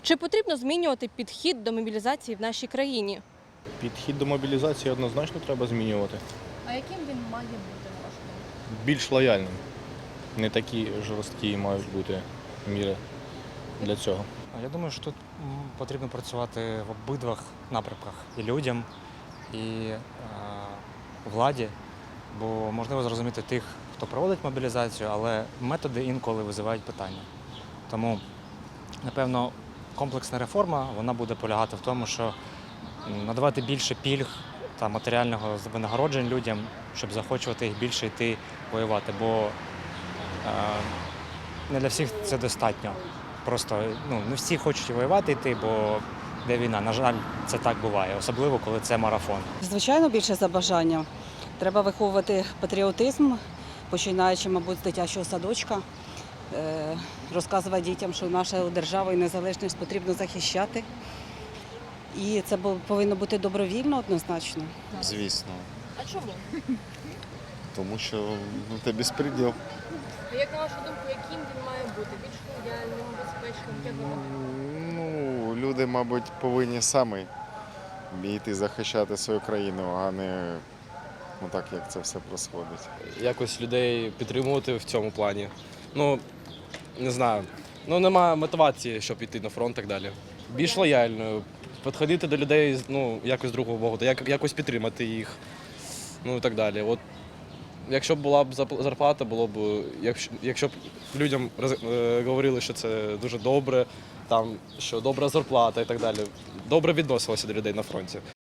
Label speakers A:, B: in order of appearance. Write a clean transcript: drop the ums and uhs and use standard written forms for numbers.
A: Чи потрібно змінювати підхід до мобілізації в нашій країні?
B: Підхід до мобілізації однозначно треба змінювати.
A: А яким він має бути, на вашу думку?
B: Більш лояльним. Не такі жорсткі мають бути міри для цього.
C: Я думаю, що тут потрібно працювати в обидвах напрямках і людям, і владі, бо можливо зрозуміти тих, хто проводить мобілізацію, але методи інколи визивають питання. Тому, напевно, комплексна реформа вона буде полягати в тому, що надавати більше пільг та матеріального винагороджень людям, щоб заохочувати їх більше йти воювати, бо не для всіх це достатньо. Просто не всі хочуть воювати йти, бо де війна. На жаль, це так буває, особливо коли це марафон.
D: Звичайно, більше за бажанням. Треба виховувати патріотизм, починаючи, мабуть, з дитячого садочка, розказувати дітям, що нашу державу і незалежність потрібно захищати. І це повинно бути добровільно однозначно.
E: Звісно.
A: А чому?
E: Тому що це безпреділ.
A: А як на вашу думку, яким він має бути? Більш лояльним, безпечним?
E: Люди, мабуть, повинні самі йти захищати свою країну, а не так, як це все происходить.
F: Якось людей підтримувати в цьому плані. Не знаю. Немає мотивації, щоб йти на фронт і так далі. Більш лояльною, підходити до людей, якось з другого боку, якось підтримати їх, і так далі. От, якщо б була б зарплата, було б, якщо б людям говорили, що це дуже добре, що добра зарплата і так далі, добре відносилося до людей на фронті.